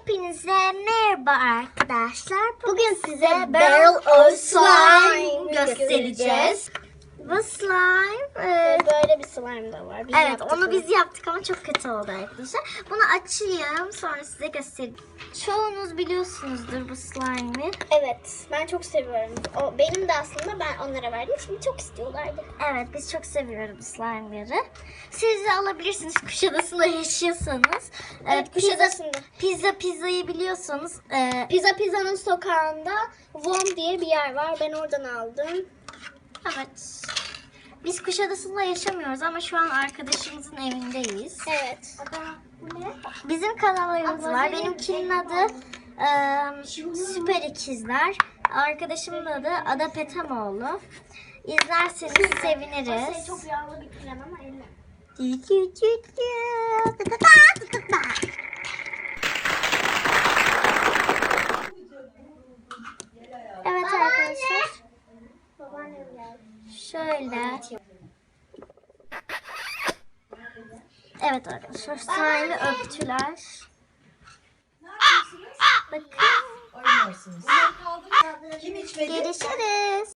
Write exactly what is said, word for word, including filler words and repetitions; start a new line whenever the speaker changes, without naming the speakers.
Hepinize merhaba arkadaşlar.
Bugün size
Barrel
Barrel
of
of
Slime
Slime
göstereceğiz. Bu slime, e,
Böyle bir slime da var. Biz
evet
yaptık
onu biz yaptık ama çok kötü oldu arkadaşlar. Bunu açayım sonra size göstereyim. Çoğunuz biliyorsunuzdur bu slime'ı.
Evet, ben çok seviyorum. O benim de aslında, ben onlara verdim. Şimdi çok istiyorlardı.
Evet biz çok seviyoruz bu slime'ları. Siz de alabilirsiniz Kuşadası'nda yaşıyorsanız. E,
Evet, Kuşadası'nda.
Pizza pizzayı biliyorsanız. E,
Pizza Pizza'nın sokağında Vom diye bir yer var. Ben oradan aldım.
evet. Biz Kuşadası'nda yaşamıyoruz ama şu an arkadaşımızın evindeyiz.
Evet.
Bizim kanallarımız var. Benimkinin adı e, Süper İkizler. Arkadaşımın adı Ada Petemoğlu. İzlerseniz seviniriz.
Çok yağlı bir krem ama elle.
Evet arkadaşlar.
Babaannem geldi.
Şöyle. Evet arkadaşlar. Slime'ı öptüler. Bakın.
Oynuyorsunuz. Kim içmedi?
Görüşürüz.